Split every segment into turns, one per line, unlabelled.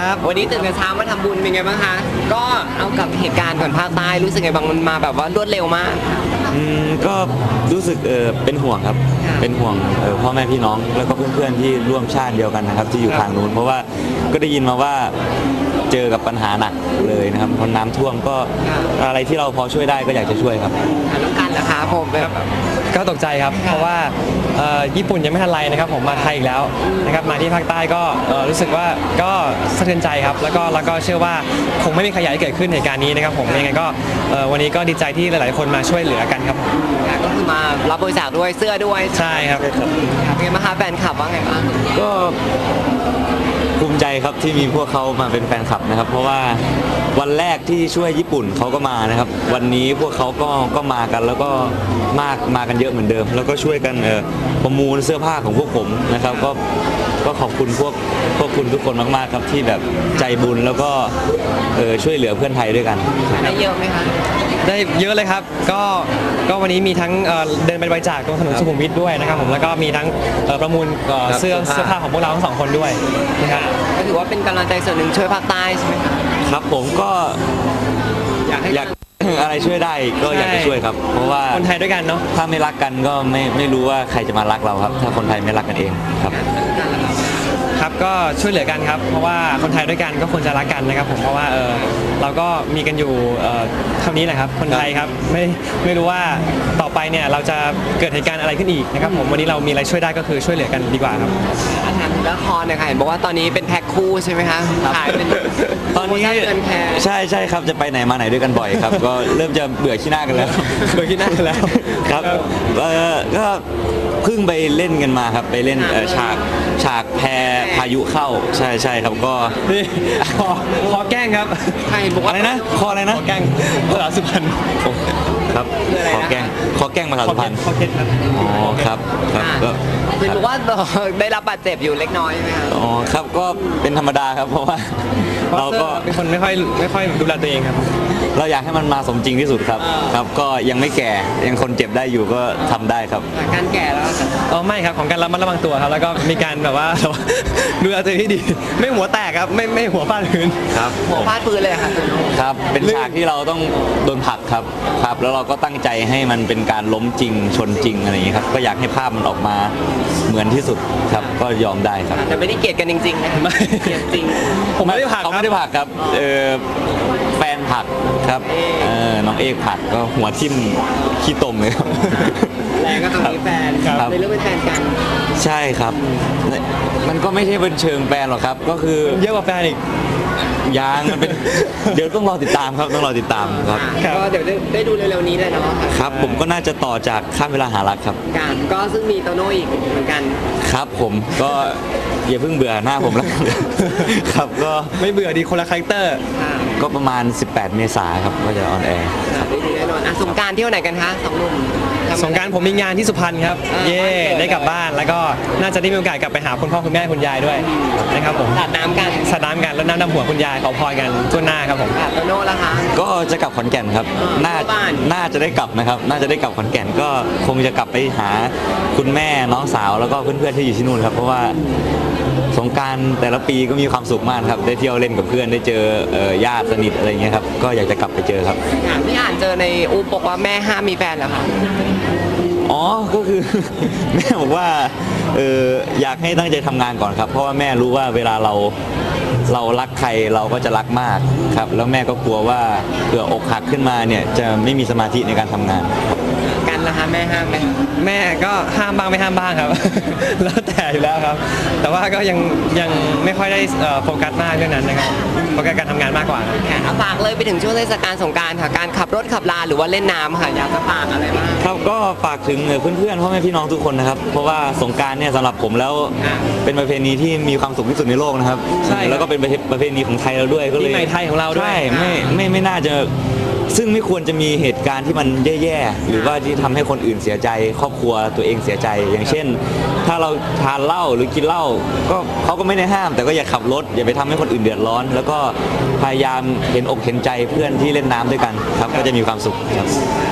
ครับวันนี้ตื่นแต่เช้ามาทำบุญเป็นไงบ้างคะก็เอากับเหตุการณ์ก่อนภาคใต้รู้สึกไงบ้างมันมาแบบว่ารวดเร็วมาก
ก็รู้สึกเป็นห่วงครับเป็นห่วงพ่อแม่พี่น้องแล้วก็เพื่อนๆที่ร่วมชาติเดียวกันนะครับที่อยู่ทางนู้นเพราะว่าก็ได้ยินมาว่าเจอกับปัญหาหนักเลยนะครับเพราะน้ำท่วมก็อะไรที่เราพอช่วยได้ก็อยากจะช่วยครับ
แล้วกันนะคะผม
ก็ตกใจครับเพราะว่าญี่ปุ่นยังไม่ทันไรนะครับผมมาไทยอีกแล้วนะครับมาที่ภาคใต้ก็รู้สึกว่าก็สะเทือนใจครับแล้วก็เชื่อว่าคงไม่มีใครอยากให้เกิดขึ้นเหตุการณ์นี้นะครับผมยังไงก็วันนี้ก็ดีใจที่หลายๆคนมาช่วยเหลือกันครับ
ก็คือมารับบริจาคด้วยเสื้อด้วย
ใช่ครับ
เป็นไงบ้างคะแฟนคลับว่าไงบ้าง
ก็ภูมิใจครับที่มีพวกเขามาเป็นแฟนคลับนะครับเพราะว่าวันแรกที่ช่วยญี่ปุ่นเขาก็มานะครับวันนี้พวกเขาก็มากันแล้วก็มากันเยอะเหมือนเดิมแล้วก็ช่วยกันประมูลเสื้อผ้าของพวกผมนะครับก็ขอบคุณพวกคุณทุกคนมากๆครับที่แบบใจบุญแล้วก็ช่วยเหลือเพื่อนไทยด้วยกัน
ได้เยอะไหมคะ
ได้เยอะเลยครับก็วันนี้มีทั้งเดินไปบริจาคตรงถนนสุขุมวิทด้วยนะครับผมแล้วก็มีทั้งประมูลเสื้อผ้าของพวกเราทั้งสองคนด้วยนะครับ
ก็ถือว่าเป็นกำลังใจส่วนหนึ่งช่วยภาคใต้ใช่ไหมครับ
ครับผมก็อยากอะไรช่วยได้ก็อยากจะช่วยครับเพราะว่า
คนไทยด้วยกันเนาะ
ถ้าไม่รักกันก็ไม่รู้ว่าใครจะมารักเราครับถ้าคนไทยไม่รักกันเองครับ
ก็ช่วยเหลือกันครับเพราะว่าคนไทยด้วยกันก็ควรจะรักกันนะครับผมเพราะว่าเราก็มีกันอยู่เท่านี้แหละครับคนไทยครับไม่รู้ว่าต่อไปเนี่ยเราจะเกิดเหตุการณ์อะไรขึ้นอีกนะครับผมวันนี้เรามีอะไรช่วยได้ก็คือช่วยเหลือกันดีกว่าครับ
ถามละครเนี่ยค่ะเห็นบอกว่าตอนนี้เป็นแพ็คคู่ใช่ไหมคะถ่ายเป็น
ตอนนี้ใช่ครับจะไปไหนมาไหนด้วยกันบ่อยครับก็เริ่มจะเบื่อขี้หน้ากันแล้ว
เบื่อขี้หน้ากันแล้ว
ครับก็เพิ่งไปเล่นกันมาครับไปเล่นฉากแพพายุเข้าใช่ครับก็
นี่ขอแกล้งครับ
ใครบอก
อะไรนะขออะไรนะ
ขอแกล้งภาษาสุพรรณ
ครับขอแกล้งภาษาสุพรรณ
ขอเก็ตครับ
อ๋อครับ
ก็คือบอกว่าได้รับบาดเจ็บอยู่เล็กน้อยใช่ไหมครับ
อ๋อครับก็เป็นธรรมดาครับเพราะว่าเราก็
เป็นคนไม่ค่อยดูแลตัวเองครับ
เราอยากให้มันมาสมจริงที่สุดครับก็ยังไม่แก่ยังคนเจ็บได้อยู่ก็ทำได้ครับ
การแก่แล้ว
ไม่ครับของการระมัดระวังตัวครับแล้วก็มีการแบบว่าดูแลตัวเองที่ดีไม่หัวแตกครับไม่หัวฟาดพื้น
ครับ
หัวฟาดพื้นเลย
ครับเป็นฉากที่เราต้องโดนผลักครับแล้วเราก็ตั้งใจให้มันเป็นการล้มจริงชนจริงอะไรอย่างนี้ครับก็อยากให้ภาพมันออกมาเหมือนที่สุดครับก็ยอมได้ครับ
แต่ไม่ได้เกลียดกันจริงๆนะ
ไม่
เกลียดจริง
ผมไม่ได้ผลัก
เขาไม่ได้ผลักครับแฟนผลักครับน้องเอกผลักก็หัวทิ่มขี้ตมเลยครับ
แรงก็ต้องมีแฟนในเรื่องเป็นแฟนกัน
ใช่ครับมันก็ไม่ใช่เป็นเชิงแฟนหรอกครับก็คือ
เยอะกว่าแฟนอีก
ยังมันเป็นเดี๋ยวต้องรอติดตามครับต้องรอติดตามครับ
ก็เดี๋ยวได้ดูเร็วๆนี้เลยเนาะ
ครับผมก็น่าจะต่อจากข้ามเวลาหารักครับ
ก็ซึ่งมีโตโน่อีกเหมือนกัน
ครับผมก็อย่าเพิ่งเบื่อหน้าผมแล้วครับก็
ไม่เบื่อดีคนละคาแรคเตอร์
ก็ประมาณ18 เมษายนครับก็จะออนแอร์
ได้ดูแน่นอนสงกรานต์เที่ยวไหนกันคะสองหนุ่ม
สงกรานต์ผมมีงานที่สุพรรณครับได้กลับบ้านแล้วก็น่าจะได้มีโอกาสกลับไปหาคุณพ่อคุณแม่คุณยายด้วยนะครับผม
สาดน้ำกัน
แล้วน้ำดำหัวคุณยายขอพรกันทั่วหน้าครับผม
โตโน่ล่ะคะ
ก็จะกลับขอนแก่นครับน่าจะได้กลับนะครับน่าจะได้กลับขอนแก่นก็คงจะกลับไปหาคุณแม่น้องสาวแล้วก็เพื่อนๆที่อยู่ที่นู่นครับเพราะว่าสงกรานต์แต่ละปีก็มีความสุขมากครับได้เที่ยวเล่นกับเพื่อนได้เจอญาติสนิทอะไรเงี้ยครับก็อยากจะกลับไปเจอครับ
ที่อ่านเจอในอูบอกว่าแม่ห้ามมีแฟนแล้วค่ะ
อ๋อก็คือแม่บอกว่าอยากให้ตั้งใจทำงานก่อนครับเพราะว่าแม่รู้ว่าเวลาเรารักใครเราก็จะรักมากครับแล้วแม่ก็กลัวว่าเผื่ออกหักขึ้นมาเนี่ยจะไม่มีสมาธิในการทำงาน
กันนะคะแม่ห้ามไหม
แม่ก็ห้ามบ้างไม่ห้ามบ้างครับแล้วแต่อยู่แล้วครับแต่ว่าก็ยังไม่ค่อยได้โฟกัสมากเรื่องนั้นนะครับโฟกัสการทำงานมากกว่า
ฝากเลยไปถึงช่วงเทศกาลสงกรานต์ค่ะการขับรถขับลาหรือว่าเล่นน้ำค่ะอยากจะฝากอะไรบ้าง
ครับก็ฝากถึงเพื่อนๆพ่อแม่พี่น้องทุกคนนะครับเพราะว่าสงกรานต์เนี่ยสำหรับผมแล้วเป็นประเพณีที่มีความสุขที่สุดในโลกนะครับ
ใช่
แล้วก็เป็นประเพณีของไทยเราด้วยก็เลย
ปีใหม่ไทยของเราด้วย
ใช่ไม่น่าจะซึ่งไม่ควรจะมีเหตุการณ์ที่มันแย่ๆหรือว่าที่ทำให้คนอื่นเสียใจครอบครัวตัวเองเสียใจอย่างเช่นถ้าเราทานเหล้าหรือกินเหล้าก็เขาก็ไม่ได้ห้ามแต่ก็อย่าขับรถอย่าไปทำให้คนอื่นเดือดร้อนแล้วก็พยายามเห็นอกเห็นใจเพื่อนที่เล่นน้ำด้วยกันครับก็จะมีความสุขครับ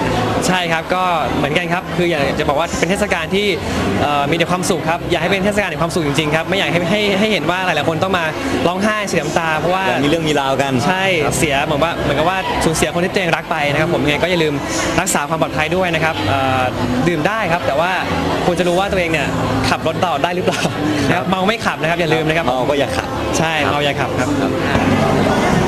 ใช่ครับก็เหมือนกันครับคืออยากจะบอกว่าเป็นเทศกาลที่มีแต่ความสุขครับอยากให้เป็นเทศกาลแห่งความสุขจริงๆครับไม่อยากให้เห็นว่าหลายๆคนต้องมาร้องไห้เสียน้ำตาเพราะว่า
มีเรื่องมีราวกัน
ใช่เสียเหมือนกับว่าสูญเสียคนที่ตัวเองรักไปนะครับผมยังไงก็อย่าลืมรักษาความปลอดภัยด้วยนะครับดื่มได้ครับแต่ว่าควรจะรู้ว่าตัวเองเนี่ยขับรถต่อได้หรือเปล่านะครับเมาไม่ขับนะครับอย่าลืมนะครับ
เมาก็อย่าขับ
ใช่เมาอย่าขับครับ
ค่ะ